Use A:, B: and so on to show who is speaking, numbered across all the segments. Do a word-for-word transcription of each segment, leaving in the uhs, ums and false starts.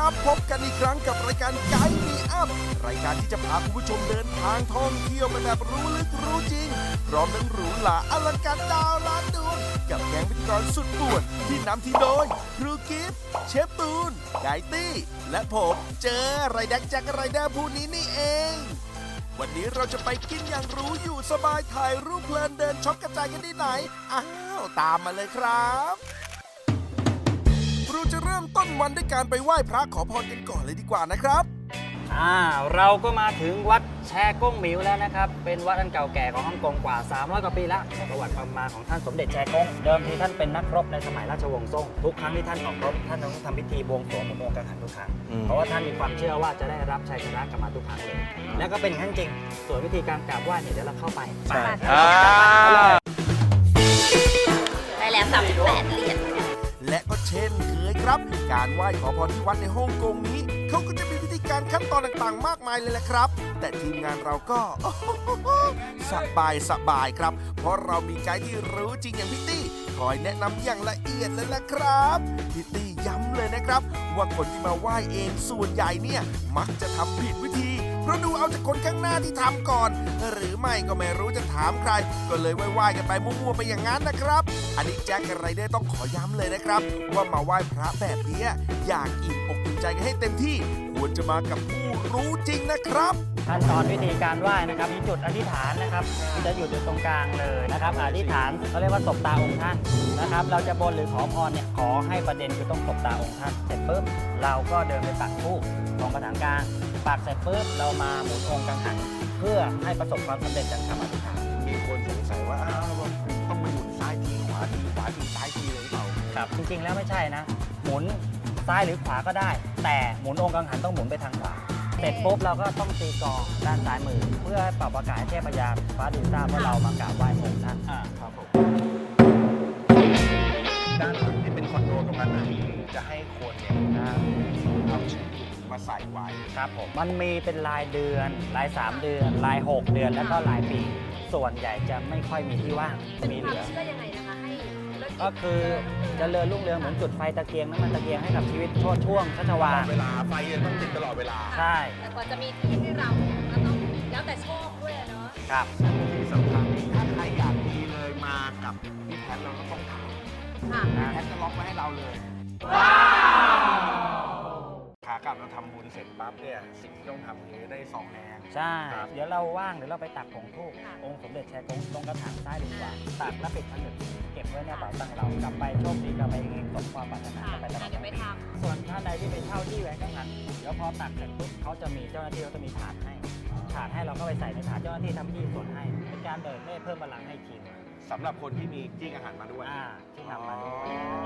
A: พบกันอีกครั้งกับรายการไกด์มีอัพรายการที่จะพาคุณผู้ชมเดินทางท่องเที่ยวไปแบบรู้ลึกรู้จริงพร้อมทั้งหรูหราอลังการดาวล้านดวงกับแก๊งพิธีกรสุดป่วนที่นำทีมโดยครูกิฟต์เชฟตูนไกด์ตี้และผมเจอไรแดกแจ็คไรเดอร์ผู้นี้นี่เอง วันนี้เราจะไปกินอย่างรู้อยู่สบายถ่ายรูปเพลินเดินช็อปกระจายกันที่ไหนอ้าวตามมาเลยครับเราจะเริ่มต้นวันด้วยการไปไหว้พระขอพรกันก่อนเลยดีกว่านะครับ
B: อ่าเราก็มาถึงวัดแชก้งหมิวแล้วนะครับเป็นวัดอันเก่าแก่ของฮ่องกงกว่าสามร้อยกว่าปีแล้วประวัติความมาของท่านสมเด็จแชก้งเดิมทีท่านเป็นนักรบในสมัยราชวงศ์ซ่งทุกครั้งที่ท่านออกรบท่านต้องทำพิธีบวงสรวงหมุนวงกังหันทุกครั้งเพราะว่าท่านมีความเชื่อว่าจะได้รับชัยชนะกลับมาทุกครั้งเลยแล้วก็เป็นอย่างนั้นจริงส่วนวิธีการกราบไหว้เนี่ยเดี๋ยวเราเข้าไปไป
C: ได้แล้วสามสิบแปดเหรียญ
A: และก็เช่นเคยครับการไหว้ขอพรที่วัดในฮ่องกงนี้เขาก็จะมีพิธีการขั้นตอนต่างๆมากมายเลยแหละครับแต่ทีมงานเราก็สบายสบายครับเพราะเรามีไกด์ที่รู้จริงอย่างพี่ตี้คอยแนะนำอย่างละเอียดเลยละครับพี่ตี้ย้ำเลยนะครับว่าคนที่มาไหว้เองส่วนใหญ่เนี่ยมักจะทำผิดวิธีเพราะดูเอาจากคนข้างหน้าที่ทำก่อนหรือไม่ก็ไม่รู้จะถามใครก็เลยไหว้ๆกันไปมั่วๆไปอย่างนั้นนะครับอันนี้แจ็คกับไรเดอร์ต้องขอย้ำเลยนะครับว่ามาไหว้พระแบบนี้อยากอิ่มอกอิ่มใจกันให้เต็มที่ควรจะมากับผู้รู้จริงนะครับ
B: ขั้นตอนวิธีการไหว้นะครับมีจุดอธิษฐานนะครับที่จะอยู่จุดตรงกลางเลยนะครับอธิษฐานเขาเรียกว่าสบตาองค์ท่านนะครับเราจะบนหรือขอพรเนี่ยขอให้ประเด็นคือต้องสบตาองค์ท่านเสร็จปุ๊บเราก็เดินไปปักธูปตรงกระถางกลางปักเสร็จปุ๊บเรามาหมุนองค์กังหันเพื่อให้ประสบความสำเร็จจากคำอธิษฐาน
A: มีคนสงสัยว่าอ้าวต้องมาหมุนซ้ายทีขวาทีขวาทีซ้ายทีเลยหรือเปล่า
B: ครับจริงๆแล้วไม่ใช่นะหมุนซ้ายหรือขวาก็ได้แต่หมุนองค์กังหันต้องหมุนไปทางขวาเสร็จปุ๊บเราก็ต้องตีกลองด้านซ้ายมือเพื่อให้เป่าประกาศให้เทพยาฟ้าดินทราบว่าเรามากราบไหว้องค์ท่าน
A: อ่าครับผมด้านหลังที่เป็นคอนโดตรงนั้นจะให้คนเนี่ยเอาชื่อมาใส่ไว้
B: ครับผมมันมีเป็นรายเดือนรายสามเดือนรายหกเดือนแล้วก็รายปีส่วนใหญ่จะไม่ค่อยมีที่ว่างมีเหลือ
C: เชื่อยังไงนะคะให้
B: ก็คือจะเรือนรุ่งเรืองเหมือนจุดไฟตะเกียงน้ำมันตะเกียงให้กับชีวิตช่วงช่วงชัชวาล
A: เวลาไฟต้องติดตลอดเวลา
B: ใช่
C: แต่กว่าจะมีที่ให้เราก็ต้องแล้วแต่โชคด้วยเนาะ
B: ครับ
A: ที่สำคัญถ้าใครอยากดีเลยมากับพี่แพทเราก็ต้องถามพี่แพทจะล็อกไว้ให้เราเลยว้าวขากลับเราทำบุญเสร็จปั๊บเนี่ยสิ่งที่ต้องทำคือได้สองแนง
B: ใช่เดี๋ยวเราว่างเดี๋ยวเราไปตักผงธูปองค์สมเด็จแชกงตรงกระถางซ้ายดีกว่าตักแล้วปิดผนึกเก็บไว้ในกระเป๋าตังค์เรากลับไปโชคดีกลับไปเองสมความปรารถนาไปตลอด
C: ไปทำ
B: ส่วนท่านใดที่ไปเช่าที่แหวนกังหันเดี๋ยวพอตักเสร็จปุ๊บเขาจะมีเจ้าหน้าที่เขาจะมีถาดให้ถาดให้เราก็ไปใส่ในถาดเจ้าหน้าที่ทำที่ส่วนให้เป็นการเบิกเนตรเพิ่มพลังให้ทีม
A: สำหรับคนที่มีจี้กังหันมาด้วย
B: ที่นำมาด้วย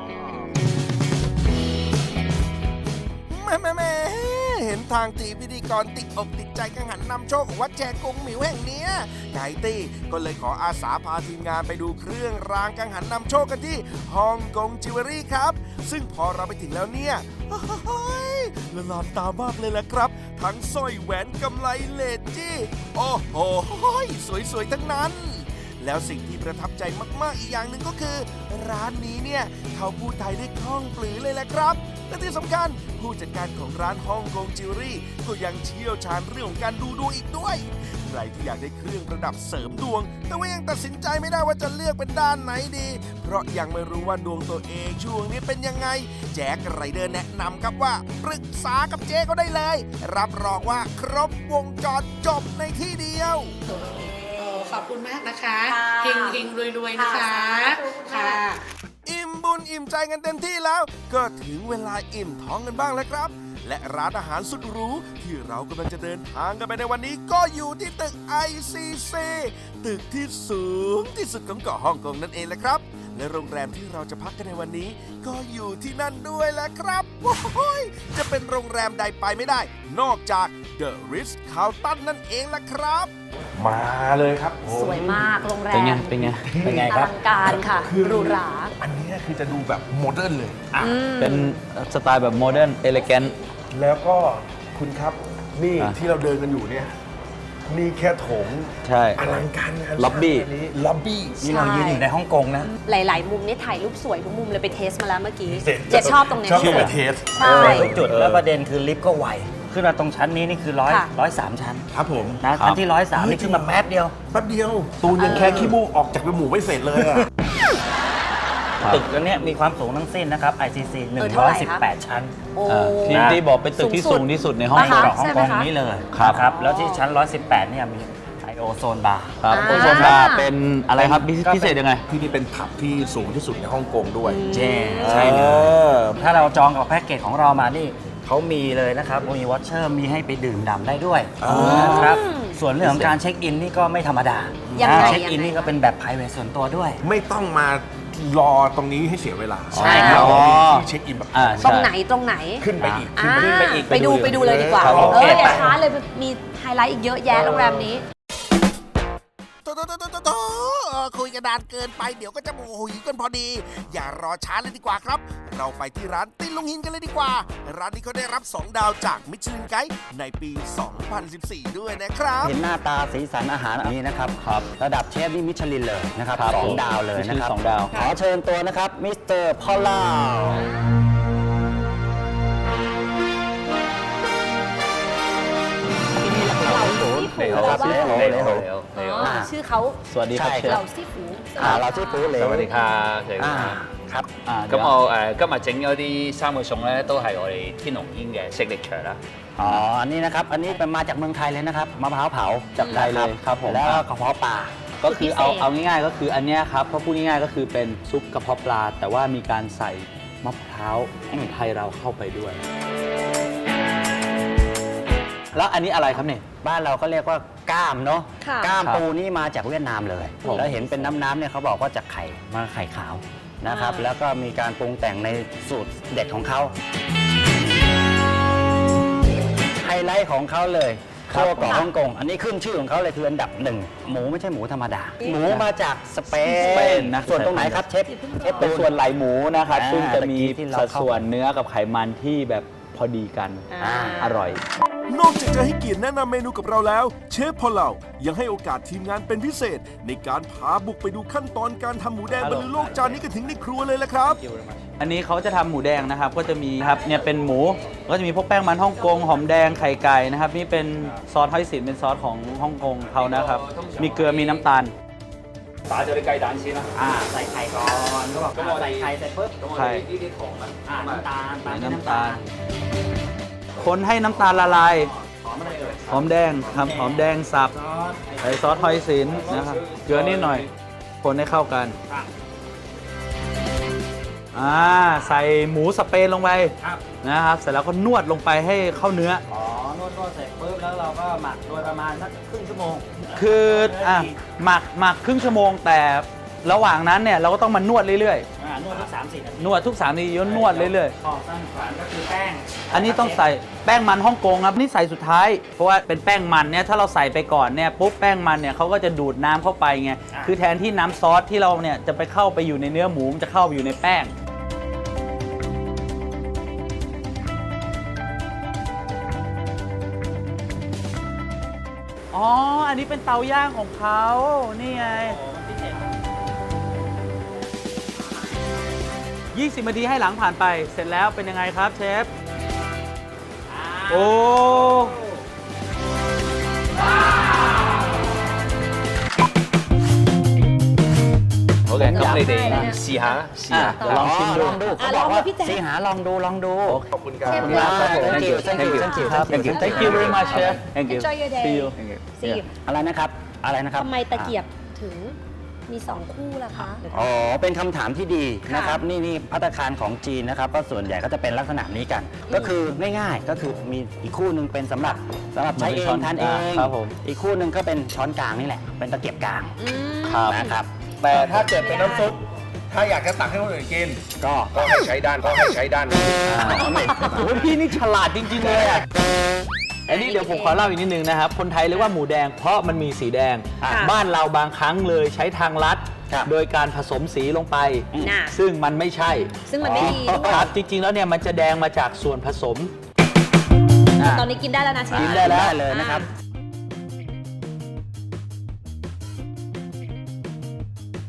A: แม่แม่แม่เห็นทางตีพิธีกรติดอกติดใจกังหันนำโชคของวัดแชกงหมิวแห่งนี้ไกตี้ก็เลยขออาสาพาทีมงานไปดูเครื่องรางกังหันนำโชคกันที่ฮ่องกงจิวเวลรี่ครับซึ่งพอเราไปถึงแล้วเนี่ยละลานตามากเลยแหละครับทั้งสร้อยแหวนกำไลเลสจี้โอ้โหสวยๆทั้งนั้นแล้วสิ่งที่ประทับใจมากๆอีกอย่างหนึ่งก็คือร้านนี้เนี่ยเขาพูดไทยได้คล่องปลือเลยแหละครับและที่สำคัญผู้จัดการของร้านฮ่องกงจิวเวลรี่ก็ยังเชี่ยวชาญเรื่องของการดูดวงอีกด้วยใครที่อยากได้เครื่องประดับเสริมดวงแต่ว่ายังตัดสินใจไม่ได้ว่าจะเลือกเป็นด้านไหนดีเพราะยังไม่รู้ว่าดวงตัวเองช่วงนี้เป็นยังไงแจ็คไรเดอร์แนะนำครับว่าปรึกษากับเจ๊เขาได้เลยรับรองว่าครบวงจรจบในที่เดียว
D: ขอบคุณมากนะคะเฮงเฮงรวยๆนะคะค่ะ
A: อิ่มบุญอิ่มใจกันเต็มที่แล้วก็ถึงเวลาอิ่มท้องกันบ้างแล้วครับและร้านอาหารสุดหรูที่เรากำลังจะเดินทางกันไปในวันนี้ก็อยู่ที่ตึก ไอ ซี ซี ตึกที่สูงที่สุดของเกาะฮ่องกงนั่นเองแหละครับและโรงแรมที่เราจะพักกันในวันนี้ก็อยู่ที่นั่นด้วยแหละครับโอ้ยจะเป็นโรงแรมใดไปไม่ได้นอกจาก The Ritz-Carlton นั่นเองล่ะครับมาเลยครับ
C: สวยมากโรงแรม
B: เป็นไงเป็นไงเป็นไงครับ
C: อลังการค่ะหรูหรา
A: อันนี้คือจะดูแบบโมเดิร์นเลย
B: เป็นสไตล์แบบโมเดิร์นเอเลแกน
A: แล้วก็คุณครับนี่ที่เราเดินกันอยู่เนี่ยนี่แค่โถง
E: ใช่
A: อลังการงาน
E: ล็อบบี้
A: สร้างนี้ล็อบบี้
B: นี่เรายืนอยู่ในฮ่องกงนะ
C: หลาย ๆ มุมนี่ถ่ายรูปสวยทุกมุมเลยไปเทสมาแล้วเมื่อกี้
A: เสร็จ
C: เจะชอบตรงเนี้ย
A: ชอบ
C: ที่
A: ไป
C: สุด
A: เทส
C: ใช่
B: ทุกจุดแล้วประเด็นคือลิฟต์ก็ไวขึ้นมาตรงชั้นนี้นี่คือร้อย
C: ค่ะ
B: ร้อยสามชั้น
A: ครับผม
B: นะชั้นที่ร้อยสามนี่ขึ้นมาแป๊บเดียว
A: แป๊บเดียว ตูนยังแค่ขี้มูกออกจากจมูกไม่เสร็จเลยอะ
B: ตึกอันเนี้ยมีความสูงทั้งสิ้นนะครับ ไอ ซี ซี หนึ่
C: เออง เท่า
B: ร้
C: ไห
B: อย
C: ร่
B: สิบ
C: คะ
B: แปด ชั้น
C: โอ้
E: อ่าที่ที่บอกเป็นตึกที่สูงที่สุดในห้อง
C: อ่าฮะ
E: กง
B: ของฮ่อง
C: ใช่ไหม
B: กง
C: คะ
B: นี้เลย
E: ครับ
B: นะครับแล้วที่ชั้นหนึ่งร้อยสิบแปดเนี่ยมีไอโอโซนบาร์
E: ครับ
C: อ่า
E: โอโซนบาร์เป็นอะไรครับพิพิเศษยังไง
A: ที่นี่เป็นผับที่สูงที่สุดในฮ่องกงด้วย
B: เจ๊ใช่เลยถ้าเราจองกับแพ็กเกจของเรามานี่เขามีเลยนะครับมีวอชเชอร์มีให้ไปดื่มด่ำได้ด้วย
A: อ๋อ
B: นะครับส่วนเรื่องของการเช็คอินนี่ก็ไม่ธรรมดา
C: ยังไง
B: นะเช็คอิน
C: ยังไง
B: นี่ก็เป็นแบบ private ส่วนตัวด้วย
A: ไม่ต้องมารอตรงนี้ให้เสียเวลา
B: ใช่ครับ
A: อ๋อที่เช็คอินแบบ
E: อ่า
C: ตรง
E: ใช่
C: ไหนตรงไหน
A: ขึ้นไปอีก
C: อ่า
A: ขึ้นไปอีก
C: ไปดูไปดูเลยดีกว่า
A: ครับ
C: เอ
B: โอเค
C: ออย่า
B: ไป
C: ช้าเลยมีไฮไลท์อีกเยอะแยะโรงแรมนี้
A: โตโตโตโตโตโตเออคุยกันนานเกินไปเดี๋ยวก็จะโมโหหิวกันพอดี อย่ารอช้าเลยดีกว่าครับ เราไปที่ร้านติ้นลุงหินกันเลยดีกว่า ร้านนี้เขาได้รับ สอง ดาวจากมิชลินไกด์ในปี สองพันสิบสี่ ด้วยนะครับ
B: เห็นหน้าตาสีสันอาหารอันนี้นะครับ
E: ครับ
B: ระดับเชฟนี่มิชลินเลยนะครับ
E: ครับ
B: สอง
E: ผม
B: ดาวเลยนะครับ
E: สองดาว
B: ขอเชิญตัวนะครับมิสเตอร์พอลล่า
C: เราซี่ฟู
B: เหล
C: แปล
B: ว
C: ว่า
B: เหลวเหลว
C: อ๋อชื่อเขา
E: สวัสดีครับ
B: ใช่
E: เช
C: เรา
E: ฟ
C: ซี่ฟู
B: อ่าเราชื่อปูเหลว
F: สวัสดีครับสวัสดี
B: อ่า
F: ครับ
B: ครับ
E: อ่า
F: 咁我誒今日整嗰啲三個餸咧，都係我哋天龍煙嘅 signature 啦。
B: อ๋อ อันนี้นะครับ อันนี้เป็นมาจากเมืองไทยเลยนะครับ มะพร้าวเผา
E: จากไทยเลยครับผม
B: แล้วก็กระเพาะปลา
E: ก็คือเอาเอาง่ายๆก็คืออันเนี้ยครับถ้าพูดง่ายๆก็คือเป็นซุปกระเพาะปลา แต่ว่ามีการใส่มะพร้าวไทยเราเข้าไปด้วย แล้วอันนี้อะไรครับเนี่ย
B: บ้านเราก็เรียกว่าก้ามเนาะ
C: ค่ะ
B: ก้าม
E: ครับ
B: ปูนี่มาจากเวียดนามเลย
E: ผม
B: แล้วเห็นเป็นน้ำๆเนี่ยเขาบอกว่าจากไข่มาไข่ขาวนะครับ
C: อ่า
B: แล้วก็มีการปรุงแต่งในสูตรเด็ดของเขาไฮไลท์ของเขาเลยข้าวกรอบฮ่องกง อันนี้ขึ้นชื่อของเขาเลยคืออันดับหนึ่งหมูไม่ใช่หมูธรรมดา หมูมาจากสเป
E: สเปน
B: น
E: นะ
B: ส่วนตรงไหนครับเชฟเชฟ
E: เป็นส่วนไหลหมูนะครับ
B: อ่า
E: ซึ่งจะมี
B: ตะกี้ที่เรา
E: สัด
B: เข้า
E: ส่วนเนื้อกับไขมันที่แบบพอดีกัน
C: อ่า
E: อร่อย
A: นอกจากจะให้เกียรติแนะนำเมนูกับเราแล้ว เชฟพอลเรายังให้โอกาสทีมงานเป็นพิเศษ ในการพาบุกไปดูขั้นตอนการทำหมูแดงบรรลือโลกจานนี้กันถึงในครัวเลยละครับ
E: อันนี้เขาจะทำหมูแดงนะครับ ก็จะมีครับเนี่ยเป็นหมูก็จะมีพวกแป้งมันฮ่องกงหอมแดงไข่ไก่นะครับนี่เป็นซอสฮอยสินเป็นซอสของฮ่องกงเขานะครับ มีเกลือมีน้ำตาล
F: 打咗啲雞蛋先啦。
B: อ่าใส่ไข่ก่อนก็บอกอ่าใส่ไข่เสร็จปุ๊บ
F: 咁我
E: 係
F: 哋呢啲糖啊，
B: อ่าน้ำตาลตามด้วย
E: น้ำ
B: น้ำ
E: ตา
B: ตา
E: ล
B: ล
E: คนให้น้ำตาลละลาย
B: หอมอะไรเอ่ย
E: หอมแดงครับหอมแดงสับ
B: ซอส
E: ใส่ซอสฮอยสินนะครับเกลือนิดหน่อย คนให้เข้ากัน
B: ครับ
E: อ่าใส่หมูสเปนลงไป
B: ครับ
E: นะครับเสร็จแล้วก็นวดลงไปให้เข้าเนื้อ
B: อ๋อนวดนวดเสร็จปุ๊บแล้วเราก็หมักโดยประมาณสักครึ่งชั่วโมง
E: คืออ่ะหมักหมักครึ่งชั่วโมงแต่ระหว่างนั้นเนี่ยเราก็ต้องมานวดเรื่อย
B: อ่านวดทุกสามสิบนาที
E: ๆ นวดทุกสามนาทีนวดเรื่อย
B: ขอบสั้นขวานก็คือแป้ง
E: ๆ อันนี้ต้องใส่แป้งมันฮ่องกงครับนี่ใส่สุดท้าย เพราะว่าเป็นแป้งมันเนี่ยถ้าเราใส่ไปก่อนเนี่ยปุ๊บแป้งมันเนี่ยเขาก็จะดูดน้ำเข้าไปไงคือแทนที่น้ำซอสที่เราเนี่ยจะไปเข้าไปอยู่ในเนื้อหมูมันจะเข้าไปอยู่ในแป้ง อ๋อ อันนี้เป็นเตาย่างของเขา นี่ไง ยี่สิบนาทีให้หลังผ่านไป เสร็จแล้วเป็นยังไงครับเชฟ โอ้
F: 好嘅，咁你哋
C: 係啦
F: 試下啦，試下。
E: เดี๋ยวลองชิมดู
B: ลองดู
C: อ่ะ
B: เขาบอกว่า
C: ลองดูพี่แจ๊ค
B: สีหาลองดูลองดู
A: ขอบคุณครับ
C: เชฟ
B: มากครับ
E: Thank you
B: Thank you Thank you
E: Thank you Thank you very much chef Thank you
C: Enjoy your day
E: See you
C: สิ
B: อะไรนะครับ อะไรนะครับ
C: ทำไมตะเกียบถึงมีสองคู่ล่ะคะ
B: อ๋อ เป็นคำถามที่ดี
C: ค่ะ
B: นะครับ นี่นี่ภัตตาคารของจีนนะครับ ก็ส่วนใหญ่ก็จะเป็นลักษณะนี้กัน ก็คือง่ายๆ ก็คือมีอีกคู่หนึ่งเป็นสำหรับสำหรับใช้เอ
E: ช้อง น
B: ทานเอ
E: อ่าง ครับผม
B: อีกคู่หนึ่งก็เป็นช้อนกลางนี่แหละ เป็นตะเกียบกลาง
C: อืม
B: นะครับ
A: แต่ถ้าเกิดเป็นน้ำซุป ถ้าอยากจะตักให้คนอื่นกิน
B: ก็
A: ก็ให้ใช้ด้านก็ให้ใช้ด้านนี้
E: โอ้ยพี่นี่ฉลาดจริงๆเลยอ่ะ อันนี้เดี๋ยวผมขอเล่าอีกนิดนึงนะครับ คนไทยเรียกว่าหมูแดงเพราะมันมีสีแดง
C: ค่ะ
E: บ้านเราบางครั้งเลยใช้ทางลัด
B: ครับ
E: โดยการผสมสีลงไป
C: น่ะ
E: ซึ่งมันไม่ใช่
C: ซึ่งมันไม่ดีด้วย
E: ครับจริงๆแล้วเนี่ยมันจะแดงมาจากส่วนผสม
C: ตอนนี้กินได้แล้วนะเชฟ
E: กินได้แล้ว
B: ได้เลยนะครับ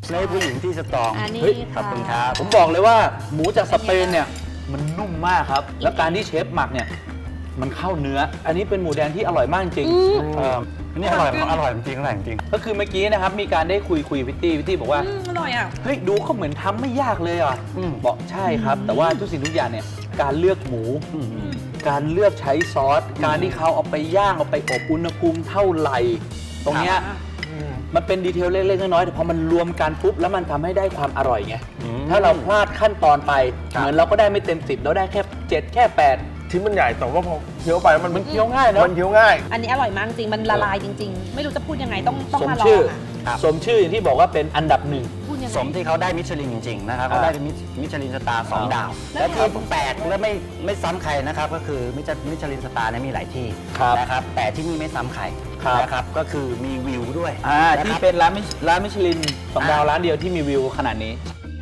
E: ในผู้หญิงที่สตรอง
C: อันนี้
E: เฮ้ย
C: ค่ะ
E: ผมบอกเลยว่าหมูจากสเปนเนี่ยมันนุ่มมากครับ แล้วการที่เชฟหมักเนี่ยมันเข้าเนื้อ อันนี้เป็นหมูแดงที่อร่อยมากจริงเอออันนี้อร่อยอร่อยจริงอร่อยจริงก็คือเมื่อกี้นะครับมีการได้คุยคุยพิตตี้พิตตี้บอกว่า
C: อืมอร่อยอ่ะ
E: เฮ้ยดูเขาเหมือนทำไม่ยากเลยอ่ะบอกใช่ครับ แต่ว่าทุกสิ่งทุกอย่างเนี่ยการเลือกหมู การเลือกใช้ซอส การที่เขาเอาไปย่างเอาไปอบอุณหภูมิเท่าไหร่ ตรงเนี้ยมันเป็นดีเทลเล็กๆน้อยๆแต่พอมันรวมกันปุ๊บแล้วมันทำให้ได้ความอร่อยไงถ้าเราพลาดขั้นตอนไป เหมือนเราก็ได้ไม่เต็มสิบเราได้แค่เจ็ดแค่แปด
A: ชิ้นมันใหญ่แต่ว่าพอเคี้ยวไปมัน
E: มันเคี้ยวง่ายเนอะ
A: มันเคี้ยวง่าย
C: อันนี้อร่อยมากจริง มันละลายจริง ๆ ไม่รู้จะพูดยังไงต้องต้อง
E: สม
C: มาลอ
E: ชื่อง
C: อ่ะ
E: สมชื่ออย่างที่บอกว่าเป็นอันดับหนึ่ง
C: พูดยังไง
G: สมที่เขาได้มิชลินจริงๆนะครับ
E: อ่า
G: เขาได้เป็นมิชลินสตาร์สอง
E: อ่า
G: ดาว และที่แปลกและไม่ไม่ซ้ำใครนะครับ ก็คือมิชมิชลินสตาร์เนี่ยมีหลายที่
E: ครับ
G: นะครับ แต่ที่นี่ไม่ซ้ำใคร
E: ครับ
G: นะครับก็คือมีวิวด้วย
E: อ่า
G: นะ
E: ที่
G: ครับ
E: เป็นร้านมิชร้านมิชลินสองดาว
G: อ่า
E: ร้านเดียวที่มีวิวขนาดนี้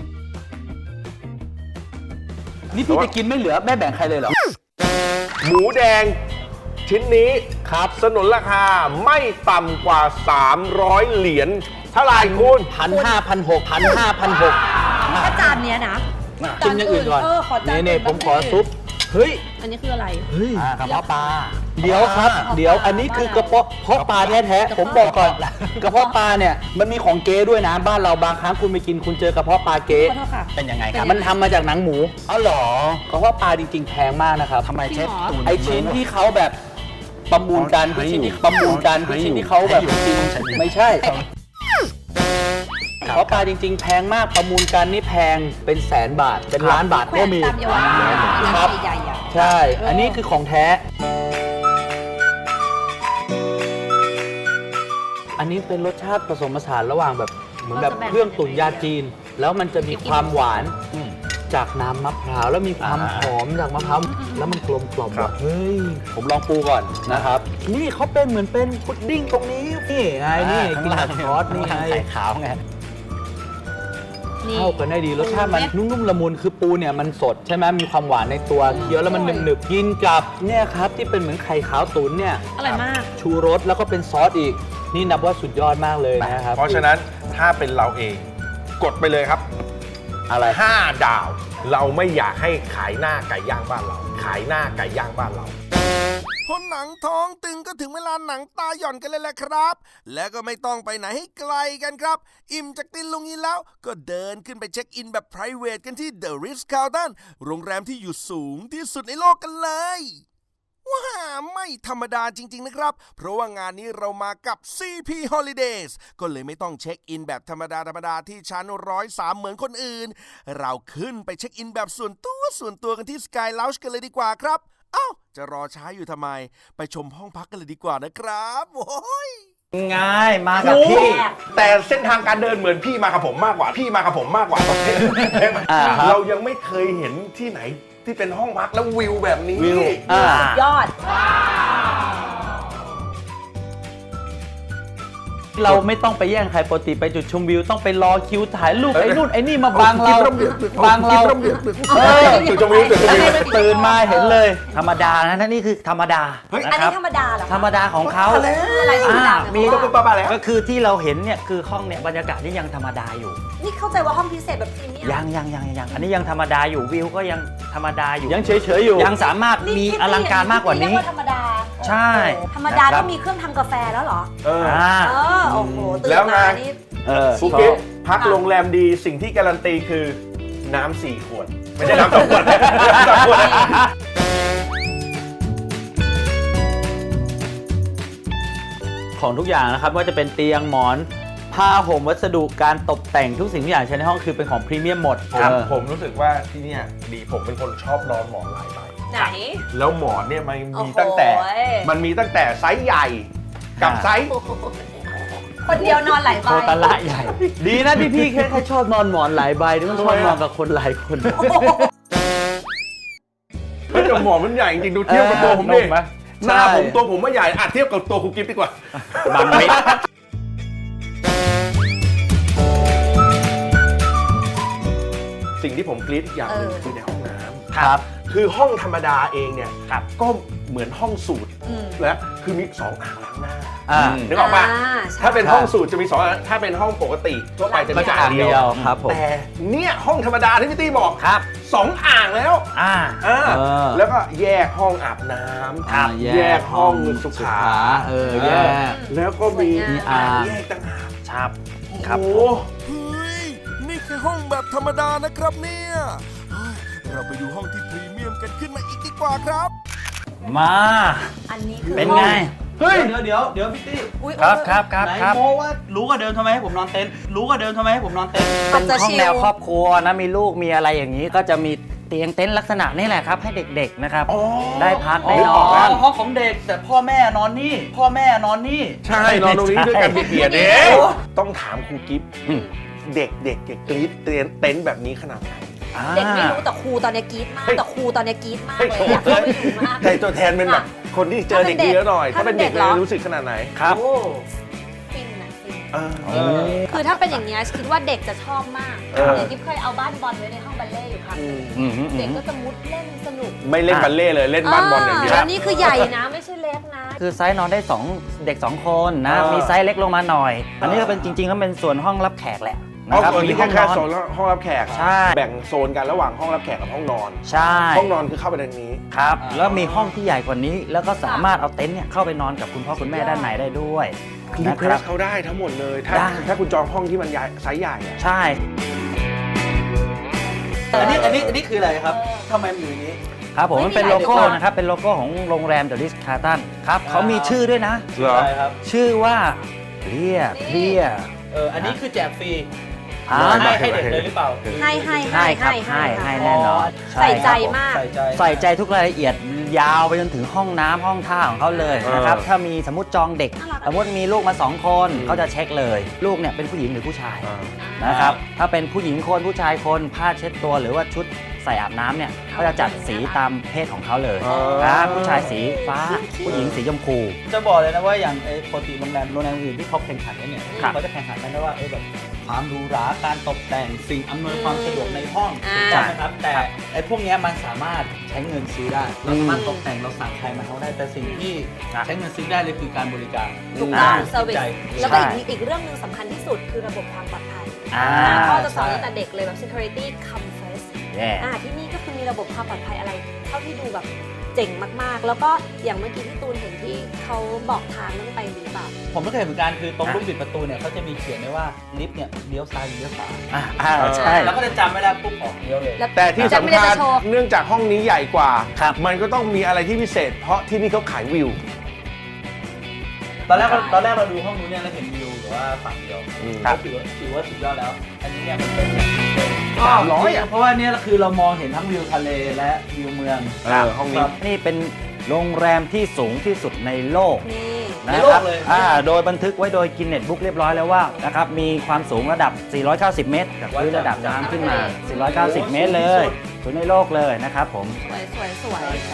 E: นี่พี่จะกินไม่เหลือแม่แบ่งใครเลยเหรอ
A: หมูแดงชิ้นนี้ครับสนนราคาไม่ต่ำกว่า สามร้อย เหรียญเท่าไหร่คุณ
E: พันห้าพันหกพันห้าพันหก
C: ถ้าจานเนี้ยนะ
E: กินอย่างอื่นก่อน
C: เออขอจาน
E: นี่
C: อื่
E: ๆผมขอซุป เฮ้ย
C: อันนี้คืออะไร
E: เฮ้ย
G: อ่ากระเพาะปลา
E: เดี๋ยวครับ เดี๋ยวอันนี้คือกระเพาะเพาะปลาแท้ๆผมบอกก่อน กระเพาะปลาเนี่ยมันมีของเก๊ด้วยนะ บ้านเราบางครั้งคุณไปกินคุณเจอกระเพาะปลาเก๊
C: ขอโทษค่ะ
G: เป็นยังไงครับ
E: มันทำมาจากหนังหมู
G: อ๋อเหรอก
E: ระเพาะปลาจริงๆแพงมากนะครับ
G: ทำไมเชฟ
C: จริงเหรอ
G: ตูน
E: ไอชิ้นที่เขาแบบประมูลกันทุกชิ้นที่ประมูลกันทุกชิ้นที่เขาแบบจริงไม่ใช่เพราะปลาจริง ๆ แพงมากประมูลกันนี่แพงเป็นแสนบาทเป็นล้านบาท
C: แขว
E: ก็
C: น
E: มี
C: ตามเยาวราช
E: ครั
C: ร้า
E: บ
C: นใหญ่ๆอ่ะ
E: ใช่ อันนี้คือของแท้ อันนี้เป็นรสชาติผสมผสานระหว่างแบบเหมือนแบบเครื่องตุ๋นยาจีน แล้วมันจะมีความหวานจากน้ำมะพร้าวแล้วมีความหอมจากมะพร้าวแล้วมันกลมกล่อมแบบเฮ้ยผมลองปูก่อนนะครับ นี่เขาเป็นเหมือนเป็นพุดดิ้งตรงนี้นี่ไงนี่กินกับซอสนี่ไง
G: ไข่ขาวไง
C: นี่
E: เข้ากันได้ดีรสชาติมันนุ่มๆละมุนคือปูเนี่ยมันสดใช่ไหมมีความหวานในตัวเคี้ยวแล้วมันหนึบๆกินกับเนี่ยครับที่เป็นเหมือนไข่ขาวตุ๋นเนี่ย
C: อร่อยมาก
E: ชูรสแล้วก็เป็นซอสอีก นี่นับว่าสุดยอดมากเลยนะครับ
A: เพราะฉะนั้นถ้าเป็นเราเองกดไปเลยครับ
E: อะไร
A: ห้าดาว เราไม่อยากให้ขายหน้าไก่ย่างบ้านเรา ขายหน้าไก่ย่างบ้านเราพอหนังท้องตึงก็ถึงเวลาหนังตาหย่อนกันเลยแหละครับ และก็ไม่ต้องไปไหนให้ไกลกันครับ อิ่มจากตินลุงนี้แล้วก็เดินขึ้นไปเช็คอินแบบ ไพรเวท กันที่ The Ritz-Carlton โรงแรมที่อยู่สูงที่สุดในโลกกันเลย ว้าไม่ธรรมดาจริงๆนะครับ เพราะว่างานนี้เรามากับ ซี พี Holidays ก็เลยไม่ต้องเช็คอินแบบธรรมดาธรรมดาที่ชั้นร้อยสามเหมือนคนอื่น เราขึ้นไปเช็คอินแบบส่วนตัวส่วนตัวกันที่ Sky Lounge กันเลยดีกว่าครับ เอ้า จะรอช้าอยู่ทำไม ไปชมห้องพักกันเลยดีกว่านะครับโอ้ย
B: ง่ายมากับพี่
A: แต่เส้นทางการเดินเหมือนพี่มากับผมมากกว่า พี่มากับผมมากกว่า
E: อ่าครับ
A: เรายังไม่เคยเห็นที่ไหนที่เป็นห้องพักแล้ววิวแบบนี้
E: วิวอ่า
C: ยอด
E: เราไม่ต้องไปแย่งใครปกติไปจุดชมวิวต้องไปรอคิวถ่ายรูปไอ้นู่นไอ้นี่มาบังเราบังเราเออ
A: จุดชมวิวจุดชมวิว
E: ตื่นมาเห็นเลย
B: ธรรมดานะนั่นนี่คือธรรมดา
A: เฮ้ย
C: อัน
B: นะค
C: นี้
B: รับ
C: ธรรมดาเหรอคะ
B: ธรรมดาของเขา
C: อะไรธรรมดา
B: มี
C: แปลว่า
A: ป้าๆแล้ว
B: ก็คือที่เราเห็นเนี่ยคือห้องเนี่ยบรรยากาศนี่ยังธรรมดาอยู่
C: นี่เข้าใจว่าห้องพิเศษแบบพรีเมียม
B: ยังยังยังยังอันนี้ยังธรรมดาอยู่วิวก็ยังธรรมดาอยู่
E: ยังเฉยๆอยู่
B: ยังสามารถมี
C: คิด
B: อลังการมากกว่านี้
C: เรียธรรมดา
B: ใช่
C: ธรรมดา
B: นะครับ
C: ต้องมีเครื่องทำกาแฟแล้วเหรอ
A: เออ
B: อ่า
C: เออ โอ้โห ตื่น
A: แล้วไง
C: มานี่
E: เออ
A: ภูเก็ตพักโรงแรมดีสิ่งที่การันตีคือน้ำสี่ขวด ไม่ใช่น้ำสองขวดน้ำสองขวด
E: ของทุกอย่างนะครับว่าจะเป็นเตียงหมอนผ้าห่มวัสดุการตกแต่งทุกสิ่งทุกอย่างใช้ในห้องคือเป็นของพรีเมียมหมด
A: ครับ
E: เออ
A: ผมรู้สึกว่าที่เนี่ยดีผมเป็นคนชอบนอนหมอนหลายใบ
C: ไหน
A: แล้วหมอนเนี่ยมัน
C: โอ้
A: มี
C: โห
A: ตั้งแต่ มันมีตั้งแต่ไซส์ใหญ่กับไซส์
C: คนเดียวนอนหลายใบ
B: โคตรละใหญ่
E: ดีนะที่พี่แค่แค่ชอบนอนหมอนหลายใบที่มันชอบนอนกับคนหลายคน
A: เฮ้ยแต่หมอนมันใหญ่จริงๆดูเทียบกับตัวผมดิ
E: เออนุ่มไหม
A: หน้า
E: ใช่
A: ผมตัวผมว่าใหญ่อ่ะเทียบกับตัวคุณกิฟต์ดีกว่า
B: บางมิด
A: สิ่งที่ผมกรี๊ดอีกอย่างหนึ่ง
C: เออ
A: คือในห้องน้ำ
E: ครับ
A: คือห้องธรรมดาเองเนี่ย
B: ครับ
A: ก็เหมือนห้องสูตร
C: อืม
A: และคือมีสองอ่างล้างหน้า
E: อ่า
H: นึกออกปะ
C: อ่าใช่
H: ถ้าเป็นห้องสูตรจะมีสองอันถ้าเป็นห้องปกติทั่วไปจะมี
E: ก็จะ
H: อ่า
E: อ่าง ง
H: เดี
E: เดี
H: ย
E: ยว วครับผม
H: แต่เนี่ยห้องธรรมดาที่พี่ตี้บอก
B: ครับ
H: สองอ่างแล้ว
B: อ่า
H: อ่า
E: เออ
H: แล้วก็แยกห้องอาบน้ำ
E: อ่า
H: แยกห้องสุขา
E: เออแยก
H: แล้วก็มี
E: มีอ่าง
H: แยกต่างหาก
B: ครับ
H: โอ้
B: ครับ
H: โห
A: เฮ้ย นี่แค่ห้องแบบธรรมดานะครับเนี่ยเฮ้ยเราไปดูห้องที่พรีเมียมกันขึ้นมาอีกดีกว่าครับ
B: มา
C: อันนี้คือ
B: เป็นไง
E: เฮ้ยเดี๋ยวเดี๋ยวเดี๋ยวพี่ตี้
C: อุ๊ย
B: ครับ
C: อุ๊ย
B: ครับครับ
E: ไหน
B: ครับ
E: โมว่ารู้กว่าเดิมทำไมให้ผมนอนเต็นท์รู้กว่าเดิมทำไมให้ผมนอนเต็นท์
B: เป็น
C: จะ
B: ห้อง
C: ชิล
B: แนวครอบครัวนะมีลูกมีอะไรอย่างนี้ก็จะมีเตียงเต็นท์ลักษณะนี่แหละครับ ให้เด็กๆนะครับ
H: อ๋อ
B: ได้พัก
E: อ๋
B: ได้น
E: อ
B: อน
E: ห้องของเด็กแต่พ่อแม่นอนนี่ พ่อแม่นอนนี่
H: ใช่นอนตรงนี้ด้วยกัน
B: ใช่
H: เบียดๆเด้ต้องถามครูกิฟต์
B: อืม
H: เด็กๆเด็กกรี๊ดเต็นท์เต็นท์แบบนี้ขนาดไหน
C: เด็กไม่รู้แต่ครูตอนเนี้ยกรี๊ดมากแต่ครูตอนเนี้ยกรี๊ดมากเลยอยากเข้าไปอยู่มาก
H: ใจตัวแทนเป็นแบบคนที่เจอเด็กเยอะหน่อย
C: ถ้า
H: ถ้า
C: เป็
H: เป็น
C: นเด็
H: เด็ก
C: ก
H: เล
C: เหร
H: ย
C: อ
H: รู้สึกขนาดไหน
B: ครับ
E: โอ้
C: ฟินอะฟิน
H: เออ
E: เออ
C: คือถ้าเป็นอย่างเงี้ยคิดว่าเด็กจะชอบมาก
H: เออ
C: เด็กกิ๊บเคยเอาบ้านบอลไว้ในห้องบัลเล่ต์อยู่ครั้งหนึง
B: อืมอืมอื
C: เด็ก
B: ม
C: ก็จะมุดเล่นสนุก
H: ไม่เล่นบัลเล่ต์เลยเล่นบ้านบอลอย่างเดียว
C: แล้วนี่คือใหญ่นะไม่ใช่เล็กนะ
B: คือไซส์นอนได้สองเด็กสองคนนะ
H: เออ
B: มีไซส์เล็กลงมาหน่อย อันนี้ก็เป็นจริงๆก็เป็นส่วนห้องรับแขกแหละ
H: ห้อง
B: นะครับ
H: ส่วน
B: มี
H: นี้
B: ห้
H: แค่
B: องน
H: แค่
B: อน
H: โซนห้องรับแขก
B: ใช่
H: แบ่งโซนกันระหว่างห้องรับแขกกับห้องนอน
B: ใช่
H: ห้องนอนคือเข้าไปทางนี้
B: ครับ แล้วมีห้องที่ใหญ่กว่านี้ แล้วก็สามารถเอาเต็นท์เนี่ยเข้าไปนอนกับคุณพ่อคุณแม่ด้านในได้ด้วย
H: รี
B: นะ
H: เคว
B: ครั
H: ส
B: บ
H: เขาได้ทั้งหมดเลย ถ้า
B: ได้
H: ถ้าคุณจองห้องที่มันใหญ่ไซส์ใหญ่อะ
B: ใช่
E: อันนี้อันนี้อันนี้คืออะไรครับทำไมมันอยู่อย่างนี้
B: ครับผม
C: ไม่
B: มันเป็น
C: มีห
B: โล
C: ลาย
B: โก้
C: ตัว
B: นะครับ เป็นโลโก้ของโรงแรมเดอะริสคาร์ตันครับเขามีชื่อด้วยนะ
H: เหรอ
E: ใช่ครับ
B: ชื่อว่าเรียเรีย
E: เออ อันนี้คือแจกฟรี
B: อ่า
E: ให้ให้เด็กเลยหรือเปล่า
C: ให้ให้
B: ให้ครับให้ให้แน่นอน
C: ใส่ใจ
B: ครับผม
C: มาก
E: ใส่ใจ
B: ใส่ใจทุกรายละเอียดยาวไปจนถึงห้องน้ำห้องท่าของเขาเลยนะครับ ถ้ามีสมมติจองเด็ก
C: น่ารัก
B: สมมติมีลูกมาสองคน
H: อืม
B: เขาจะเช็คเลย ลูกเนี่ยเป็นผู้หญิงหรือผู้ชาย
H: อ่า
B: นะครับ ถ้าเป็นผู้หญิงคนผู้ชายคนผ้าเช็ดตัวหรือว่าชุดใส่อาบน้ำเนี่ยเขาจะจัดสีตามเพศของเขาเลย
H: อ๋อ
B: นะผู้ชายสีฟ้า ผู้หญิงสีชมพู
E: จะบอกเลยนะว่าอย่างไอ้ปกติโรงแรมโรงแรมอื่นที่เขาแข่งขันกันเนี่ย
B: ครับ
E: เขาจะแข่งขันกันนะว่าเออแบบความหรูหราการตกแต่งสิ่งอำนวยความสะดวกในห้อง
C: อ่า
E: ใช่ไหมครับแต่ไอ้พวกเนี้ยมันสามารถใช้เงินซื้อได้เราสามารถตกแต่งเราสั่งใครมาเขาได้แต่สิ่งที่ใช้เงินซื้อได้เลยคือการบริการ
C: ถูกต้อง
B: อ่า
C: เซอร์วิส
E: ใจ
C: แล้วก็อีกอีกเรื่องหนึ่งสำคัญที่สุดคือระบบความปลอดภัย
B: อ่า
C: พ่อจะสอนตั้งแต่เด็กเลยแบบ security come first
B: แย่
C: อ่าที่นี่ก็คือมีระบบความปลอดภัยอะไร เท่าที่ดูแบบเจ๋งมากๆ แล้วก็อย่างเมื่อกี้ที่ตูนเห็นที่เขาบอกทางต้องไปลิฟต์อะ
E: ผมก็เคยเห็นเหมือนกันคือตรงลูกบิดประตูเนี่ยเขาจะมีเขียนไว้ว่าลิฟต์เนี่ยเลี้ยวซ้ายหรือเลี้ยวขวา
B: อ่าอ่าใช่
E: แล้วก็จะจำไม่ได้ปุ๊บออกเลี้ยวเลย
C: แล้ว
H: แต่ที่
C: จะ
H: สำ
C: ไม่ได้
H: คัญ
C: จะโชว์
H: เนื่องจากห้องนี้ใหญ่กว่า
B: ครับ
H: มันก็ต้องมีอะไรที่พิเศษ เพราะที่นี่เขาขายวิว
E: ตอนแรกเราตอนแรกเราดูห้องนู้นเนี่ยเราเห็นวิวแต่ว่าฝั่งเดียว
H: อืม
E: ก็ถือว่าถือว่าสุดยอดแล้ว อันนี้เนี่ยมันเป็น
H: สามร้อยอะ
E: เพราะว่าเนี่ยคือเรามองเห็นทั้งวิวทะเลและวิวเมือง
H: เออห้องนี้
B: นี่เป็นโรงแรมที่สูงที่สุดในโลก
C: นี่
E: ใน
B: นะ
E: โล
B: ครั
E: ก
B: บ
E: เลย
B: อ่าโดยบันทึกไว้โดยกินเน็ตบุ๊กเรียบร้อยแล้วว่านะครับมีความสูงระดับ สี่ร้อยเก้าสิบ เมตรจากพื้นระดับน้ำขึ้นมา สี่ร้อยเก้าสิบ เมตรเลยสูงในโลกเลยนะครับผม
C: สวยสวยสวย
E: ใช่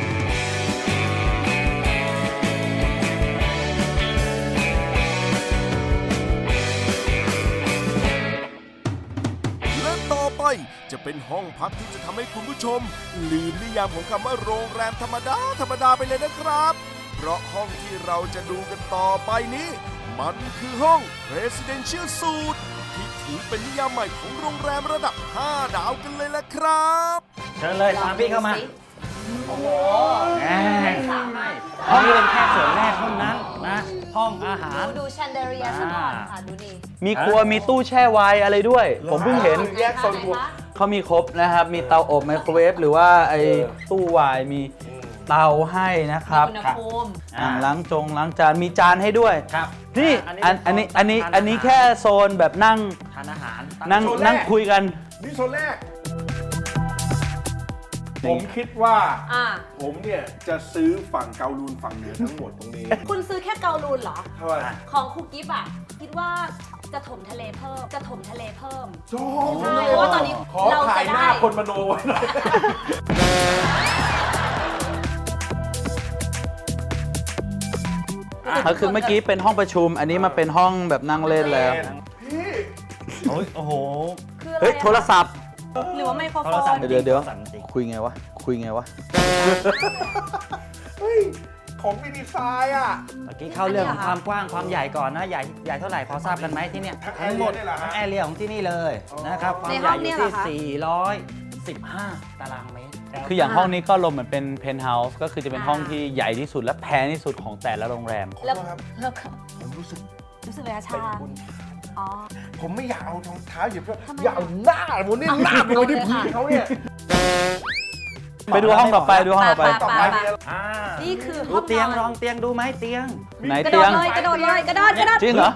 A: และต่อไปจะเป็นห้องพักที่จะทำให้คุณผู้ชม ลืมนิยามของคำว่าโรงแรมธรรมดาธรรมดาไปเลยนะครับ เพราะห้องที่เราจะดูกันต่อไปนี้ มันคือห้อง Residential Suite ที่ถือเป็นนิยามใหม่ของโรงแรมระดับ ห้า ดาวกันเลยละครับ
B: เชิญเลยตามพี่เข้ามา
C: โอ้โห
B: อ่า
C: สามารถ
B: ห้องนี้เป็นแค่ส่วนแรกเท่านั้นนะห้องอาหาร
C: ดูดูแชนเดอเรียซะก่อนค่ะ ดูนี่
E: มีครัวมีตู้แช่ไวน์อะไรด้วย ผมเพิ่งเห็น
H: แยกโซนครัว
E: เขามีครบนะครับ มีเตาอบไมโครเวฟหรือว่าไอ้ตู้ไวน์มีเตาให้นะครับ
C: อุณหภูมิ
E: อ่างล้างจงล้างจานมีจานให้ด้วย
B: ครับ
E: นี่
B: อ่า
E: อัน
B: อั
E: อั
B: น
E: น
B: นี้
E: นี้อันนี้
B: ทานอาหาร
E: อันนี้แค่โซนแบบนั่ง
B: ทานอาหาร
E: นั่ง
H: โซนแรก
E: นั่งคุยกัน
H: นี่โซนแรก ผมคิดว่า
C: อ่า
H: ผมเนี่ยจะซื้อฝั่งเกาลูนฝั่งเหนือทั้งหมดตรงนี้
C: คุณซื้อแค่เกาลูนเหรอ
H: เท่าไหร่
C: ของคุกกิฟอะคิดว่าจะถมทะเลเพิ่ม จะถมทะเลเพิ่ม
H: โจ้
C: ใช่เพราะว่าตอนนี้
H: ขอ
C: เรา
H: ถ่า
C: จะ
H: ยหน้า
C: ได้
H: คนมโนไว้หน่อย
E: ก็คือเมื่อกี้เป็นห้องประชุม อันนี้มาเป็นห้องแบบนั่งเล่นแล้ว
H: พี่
B: โอ้ยโอ้โห
C: คืออะไร
E: เฮ้ย
C: อะ
E: โทรศัพท์
C: หรือว่าไมโครโฟ
B: โทรศัพท์
C: น
E: เดี๋ยวเดี๋ยว
B: สั่นจริง
E: คุยไงวะ คุยไงวะ
H: เฮ้ยของฟินิซายอ่ะ
B: เมื่อกี้เข้าเรื่องของความกว้างความใหญ่ก่อนนะ ใหญ่ใหญ่เท่าไหร่พอทราบกันไหมที่เนี่ย
H: ทั้ง
B: ทั้งหมด
H: area เนี่ยเหรอฮะ
B: ทั้งแอเรียของที่นี่เลย
H: อ๋อ
B: นะครับความ
C: ใน
B: ให
C: ห้
B: ญ่
C: อง
B: อ
C: เนี่
B: ยู่
C: ยเหร
B: ที่
C: อคะ
B: สี่ร้อยสิบห้าตารางเมตร
E: คืออย่างห้องนี้ก็ลมเหมือนเป็นเพนท์เฮาส์ก็คือจะเป็นห้องที่ใหญ่ที่สุดและแพงที่สุดของแต่ละโรงแรม
C: แล้ว
H: ครับ
C: แล้วก็
H: ผมรู้สึก
C: รู้สึกเลยอะชา
H: เป็นบุญ
C: อ๋อ
H: ผมไม่อยากเอารองเท้าเหยียบ
C: ทำไม
H: อยากเอาหน้าผมนี่หน้าไปไว้ที่พื้นเขาเนี่ย
E: ไปดูห้องต่อไปดูห้องต่อไป
H: ต่อไปมีอะไร
B: อ่า
C: นี่คือ
B: ดู
C: ห้อง
B: เตียง
C: นอน
B: ลองเตียงดูไหมเตียง
E: ไหน
C: กระโด
E: เตีย
C: ด
E: ง
C: เลยกระโดดเลยกระโดดกระโดด
E: จริงเหรอ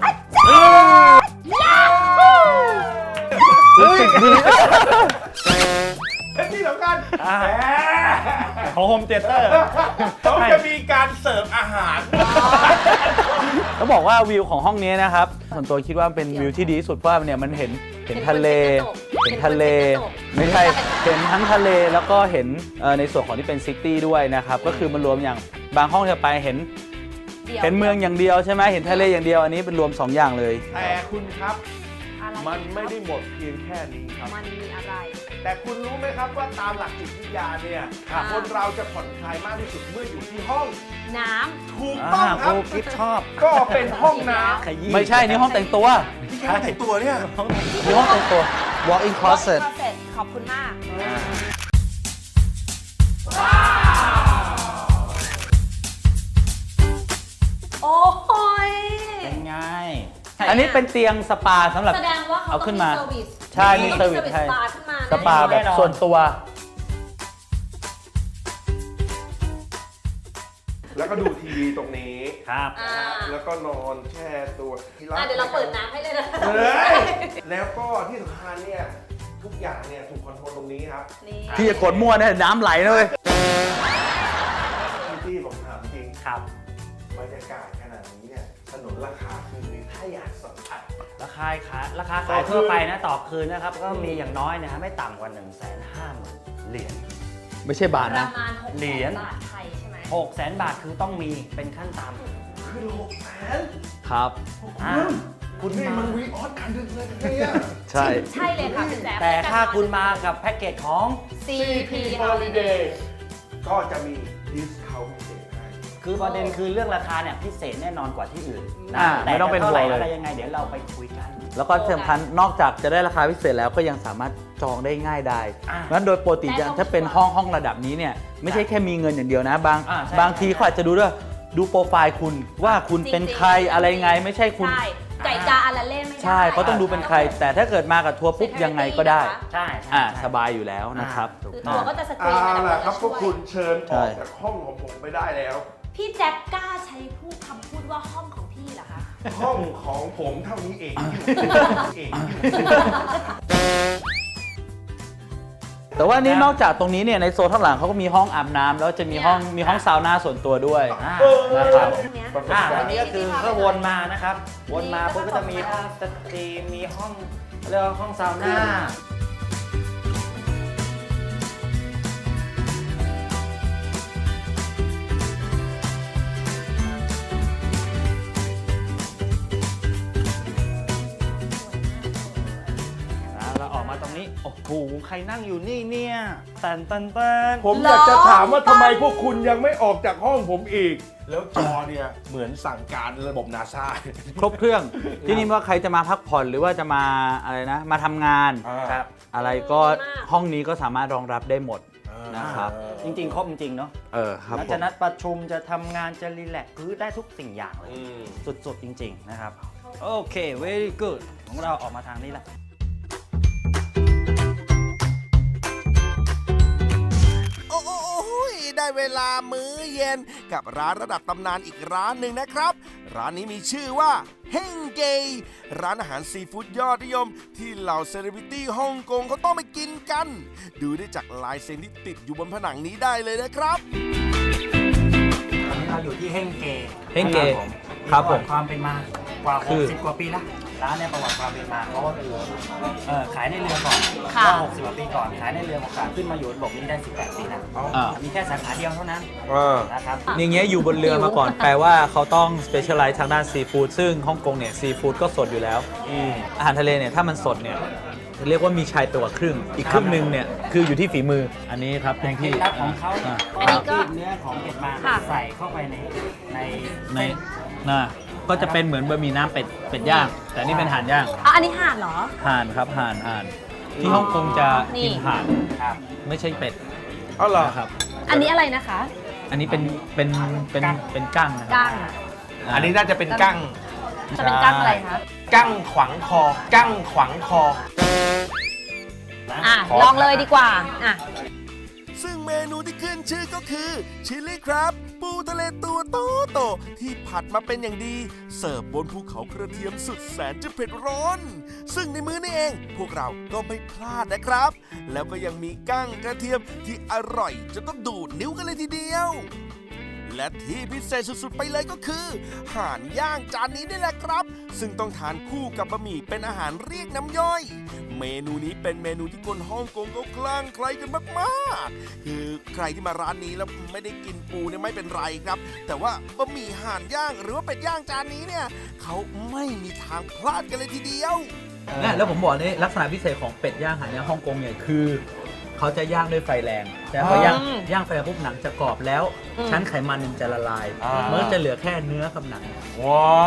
H: รู้สึกดีและที่สำคัญ
B: อ่า
H: แหม
B: ของโฮมเตียเตอร์
H: เขาจะมีการเสิร์ฟอาหาร
E: ต้องบอกว่าวิวของห้องนี้นะครับส่วนตัวคิดว่าเป็นวิวที่ดีที่สุดเพราะว่าเนี่ยมันเห็นเห็นทะเล เห็นทะเล ไม่ใช่เห็นทั้งทะเลแล้วก็เห็นเอ่อในส่วนของที่เป็นซิตี้ด้วยนะครับก็คือมันรวมอย่างบางห้องที่เราไปเห็น
C: ดี๋ยว
E: เห็นเมืองอย่างเดียวใช่ไหมเห็นทะเลอย่างเดียวอันนี้เป็นรวมสองอย่างเลย
H: แต่คุณครับ
C: อะไร
H: มันไม่ได้หมดเพียงแค่นี้ครับ
C: มันมีอะไร
H: แต่คุณรู้ไหมครับว่าตามหลักจิตวิทยาเนี่ย
C: ครับ
H: คนเราจะผ่อนคลายมากที่สุดเมื่ออยู่ที่ห้อง
C: น้
H: ถูกต้องค
B: ค
H: รั
B: รู
H: บ
B: กิฟชอบ
H: ก็เป็นห้องน้
B: ขยี้
E: ไม่ใช่นี่ห้องแต่งตัว
H: ำที่แค่แต่งตัวเนี่ย
E: นี่ห้องแต่งตัว walk-in
C: ำ
E: closet
C: ขอบคุณมาก โอ้ย
B: เป็นไง
E: อันนี้เป็นเตียงสปาสำหรับ
C: แสดงว่าเขา
E: เอา
C: ต้อง
E: ขึ้น
C: มี
E: มา
C: เซอร์วิส
E: ใช่มีเซอร์วิสให้
C: สปาขึ้นมา
E: สปาแบบส่วนตัว
H: แล้วก็ดูทีวีตรงนี้
B: ครับ
C: อ่า
H: แล้วก็นอนแช่ตัวที่
C: อ่ะเดี๋ยวเราเปิดน้ำให้เลยนะ
H: เฮ้ยแล้วก็ที่สำคัญเนี่ยทุกอย่างเนี่ยถูกคอนโทรลตรงนี้ครับ
C: นี่
E: พี่จะกดมั่วนะน้ำไหลนะเว้ย
H: พี่ตี้ผมถามจริง
B: ครับ
H: บรรยากาศขนาดนี้เนี่ยถนนราคาคือถ้าอยากสัมผัส
B: ราคาขายราคาขายทั่วไปนะต่อคืนนะครับ ก็มีอย่างน้อยนะฮะไม่ต่ำกว่า หนึ่งแสนห้าหมื่น เหรียญ
E: ไม่ใช่บาท
C: ป
E: นะ
C: ระมาณหก
B: เหรียญ
C: บาทไทยใช่ไหม
B: หกแสนบาทคือต้องมีเป็นขั้นต่
H: คือหกแสน
E: ครับ
B: ำอ่าคุณ
H: นี่
B: มา
H: มันวีออสคันดึกเลยเนี่ย
E: ใช่
C: ใช่เลยค่ะคุณแจ๊ค
B: แต่ถ้าคุณมากับแพ็กเกจของ
C: ซี พี Holiday
H: ก็จะมีดิสคาวพิเศษให้
B: คือประเด็นคือเรื่องราคาเนี่ยพิเศษแน่นอนกว่าที่อื่นนะ
E: อ่า
B: แต่
E: ไม่ต้องเป็น
B: จะเท่าไหร่
E: ห่วงเลย
B: อะไรยังไงเดี๋ยวเราไปคุยกัน
E: แล้วก็ที่สำคัญนอกจากจะได้ราคาพิเศษแล้วก็ยังสามารถจองได้ง่ายได้
B: อ่า
E: งั้นโดยปกติอย่างถ้าเป็นห้องห้องระดับนี้เนี่ยไม่ใช่แค่มีเงินอย่างเดียวนะ บาง
B: อ่าใช่
E: บางทีเขาอาจจะดูด้วยดูโปรไฟล์คุณว่าคุณเป็นใครอะไรไงไม่ใช่คุณ
C: ใช่ไก่กาอะไรเล่นไม่ได้
E: ใช่เขาต้องดูเป็นใคร แต่ถ้าเกิดมากับทัวร์ปุ๊บยังไงก็ได้
B: ใช่ใช่
E: อ่า
B: ใช่
E: สบายอยู่แล้วนะครับ
B: ถูก
C: คือ
B: ต้
C: ตั
B: อ
C: ว
B: ง
C: ก็จะสกรี
H: เอา
C: นมา
H: ล่ะครับพ
C: ช่
H: วกคุณเชิญอ
E: ใช่
H: อกจากห้องของผมไปได้แล้ว
C: พี่แจ็คกล้าใช้พูดคำพูดว่าห้องของพี่เหรอคะ
H: ห้องของผมเท่านี้เองเอง
E: แต่ว่านี่นอกจากตรงนี้เนี่ยในโซนข้างหลังเขาก็มีห้องอาบน้ำแล้วจะมีห้องมีห้องซาวน่าส่วนตัวด้วย
B: อ่า
E: นะครับ
C: เนี้ย
B: อ่าอันนี้ก็คือก็วนมานะครับ วนมาปุ๊บก็จะมีห้องสตรีมมีห้องเรียกว่าห้องซาวน่า อ่าเราออกมาตรงนี้ โอ้โห ใครนั่งอยู่นี่เนี่ยแตนแตนแตน
H: ผมอยากจะถามว่าทำไมพวกคุณยังไม่ออกจากห้องผมอีก แล้วจอเนี่ยเหมือนสั่งการระบบนาซา
E: ครบเครื่อง ที่นี่ว่าใครจะมาพักผ่อนหรือว่าจะมาอะไรนะ มาทำงาน
B: ครับ
E: อะไรก็ห้องนี้ก็สามารถรองรับได้หมดนะครับ
B: จริงๆ ครบจริงๆ เนาะ
E: เออครับ
B: นัด
E: ผ
B: จะ
E: ม
B: นัดประชุมจะทำงานจะรีแลกซ์คือได้ทุกสิ่งอย่างเลย สุดๆ จริง ๆ นะครับ โอเค very good ของเราออกมาทางนี้แหละ
A: โอ้ยได้เวลามื้อเย็นกับร้านระดับตำนานอีกร้านหนึ่งนะครับ ร้านนี้มีชื่อว่าเฮงเกยร้านอาหารซีฟู้ดยอดนิยม ที่เหล่าเซเลบริตี้ฮ่องกงเขาต้องไปกินกัน ดูได้จากลายเซ็นที่ติดอยู่บนผนังนี้ได้เลยนะครับ
B: ตอนนี้เราอยู่ที่เฮงเก
E: เฮงเก
B: นะครับผม
E: ครับผม
B: ประวัติความเป็นมากว่า
E: คือ
B: หกสิบกว่าปีละร้านเนี่ยประวัติความเป็นมาเขาก็คือเอ่อขายในเรือก่อน
C: ค่ะ
B: ก็หกสิบกว่าปีก่อนขายในเรือของการขึ้นมาอยู่บนบกนี้ได้สิบแปดปีแล้ว
E: อ่า
B: มีแค่สาขาเดียวเท่านั้นนะครับ
E: อย่างเงี้ยอยู่บนเรือมาก่อน แปลว่าเขาต้อง specialize ทางด้านซีฟู้ดซึ่งฮ่องกงเนี่ยซีฟู้ดก็สดอยู่แล้ว อาหารทะเลเนี่ยถ้ามันสดเนี่ยเรียกว่ามีชายตัวครึ่ง อีกครึ่งหนึ่งเนี่ยคืออยู่ที่ฝีมืออันนี้ครับ
B: แต่
E: คุณ
B: เคล็
E: พี่
B: ดลับของเขา
E: อ่ะ
C: อันนี้ก็
B: รีดเนื้อของเป็ดมา
C: ค่ะ
B: ใส่เข้าไปในใน
E: ในน่ะก็จะเป็นเหมือนบะหมี่น้ำเป็ดเป็ดย่าง แต่นี่เป็นห่านย่าง
C: อ่ะอันนี้ห่านเหรอ
E: ห่านครับห่านห่านที่ฮ่องกงจะกินห่าน
B: ครับ
E: ไม่ใช่เป็ด
H: อ๋อเหรอ
E: นะครับ
C: อันนี้อะไรนะคะ
E: อันนี้เป็นเป็นเป็นเป็นกั้งนะครั
C: กั้ง
E: บ
H: อันนี้น่าจะเป็นกั้ง
C: จะเป็นกั้งอะไรคะ
H: กั้งขวางคอ กั้งขวางคอ
C: อ่ะ
H: ขอ
C: ลองเลยดีกว่า อ่ะ
A: ซึ่งเมนูที่ขึ้นชื่อก็คือชิลลี่ครับ ปูทะเลตัวโตโตๆที่ผัดมาเป็นอย่างดี เสิร์ฟบนภูเขากระเทียมสุดแสนจะเผ็ดร้อน ซึ่งในมื้อนี้เอง พวกเราก็ไม่พลาดนะครับ แล้วก็ยังมีกั้งกระเทียมที่อร่อยจนต้องดูดนิ้วกันเลยทีเดียว และที่พิเศษสุดๆไปเลยก็คือห่านย่างจานนี้นี่แหละครับ ซึ่งต้องทานคู่กับบะหมี่เป็นอาหารเรียกน้ำย่อย เมนูนี้เป็นเมนูที่คนฮ่องกงเขาคลั่งไคล้กันมากๆ คือใครที่มาร้านนี้แล้วไม่ได้กินปูเนี่ยไม่เป็นไรครับ แต่ว่าบะหมี่ห่านย่างหรือว่าเป็ดย่างจานนี้เนี่ยเขาไม่มีทางพลาดกันเลยทีเดียว
E: เนี่ยแล้วผมบอกนี่ลักษณะพิเศษของเป็ดย่างห่านย่างฮ่องกงเนี่ยคือ เขาจะย่างด้วยไฟแรงแต่พอย่าง
C: อืม
E: ย่างไฟแรงปุ๊บหนังจะกรอบแล้ว
C: อืม
E: ชั้นไขมันเนี่ยมันจะละลาย
H: อ่ามั
E: มันก็จะเหลือแค่เนื้อกับหนัง
H: ว้าว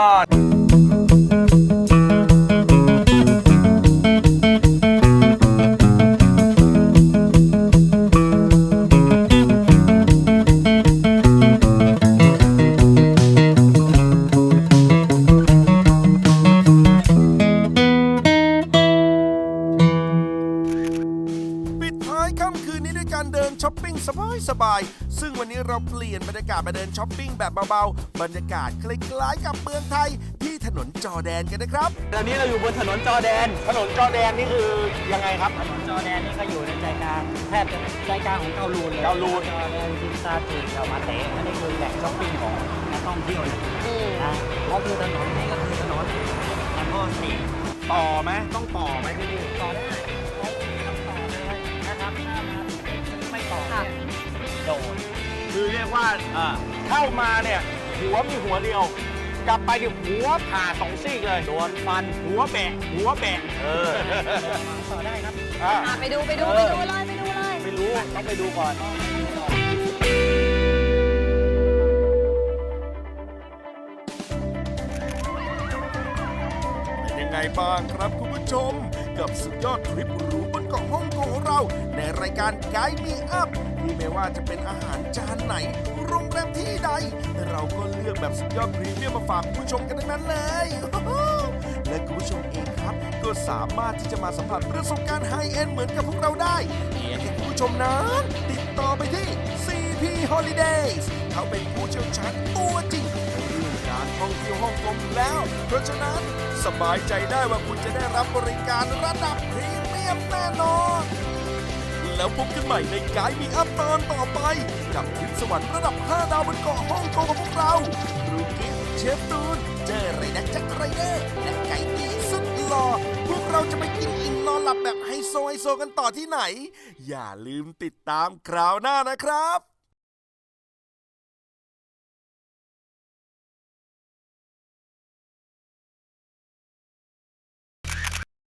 A: ปิดท้ายค่ำคืนนี้ด้วยการเดินช้อปปิ้งสบายๆ ซึ่งวันนี้เราเปลี่ยนบรรยากาศมาเดินช้อปปิ้งแบบเบาๆ บรรยากาศคล้ายๆกับเมืองไทยที่ถนนจอร์แดนกันนะครับ
E: ตอนนี้เราอยู่บนถนนจอร์แดน
H: ถนนจอร์แดนนี่คือยังไงครับ
B: ถนนจอร์แดนนี่ก็อยู่ในใจกลางแทบจะใจกลางของเกาลูนเลย
H: เกาลูน
B: จอร์แดนจินซาจีเกามาเตะอันนี้คือแหล่งช้อปปิ้งของนักท่องเที่ยวเลย
C: อืม
B: นะก็คือถนนนี้ก็คือถนนอันโพสตี
H: ต่อไหมต้องต่อไหมที่นี่
B: ต่อได้ต้องต่อเลยนะครับถ้ามาไม่ต่อเนี่ยโดน
H: คือเรียกว่าเข้ามาเนี่ยหัวมีหัวเดียว กลับไปเดี๋ยวหัวผ่าสองซี่เลยโดนฟันหัวแบะหัวแบะเออ
B: ต่อได้ครับ
H: อ่ะ
C: อ่ะไปดูไปดูไปดูเลยไปดูเลย
H: ไม่รู้ต้องไปดูก่อน
A: เป็นยังไงบ้างครับคุณผู้ชม กับสุดยอดทริปหรูบนเกาะฮ่องกงของเรา ในรายการไกด์มีอัพที่ไม่ว่าจะเป็นอาหารจานไหน โรงแรมที่ใด เราก็เลือกแบบสุดยอดพรีเมียมมาฝากคุณผู้ชมกันทั้งนั้นเลย และคุณผู้ชมเองครับ ก็สามารถที่จะมาสัมผัสประสบการณ์ไฮเอ็นด์เหมือนกับพวกเราได้เพียงแค่คุณผู้ชมนั้นติดต่อไปที่ ซี พี Holidays เขาเป็นผู้เชี่ยวชาญตัวจริงเรื่องการท่องเที่ยวฮ่องกงอยู่แล้ว เพราะฉะนั้นสบายใจได้ว่าคุณจะได้รับบริการระดับพรีเมียมแน่นอน แล้วพบกันใหม่ในไกด์มีอัพตอนต่อไป กับทริปสวรรค์ระดับห้าดาวบนเกาะฮ่องกงของพวกเราบรูกิฟเชฟตูน เจอไรนักจักรไรเดอร์และไก่ตีสุดหล่อพวกเราจะไปกินอิ่มนอนหลับแบบไฮโซไฮโซกันต่อที่ไหน อย่าลืมติดตามคราวหน้านะครับ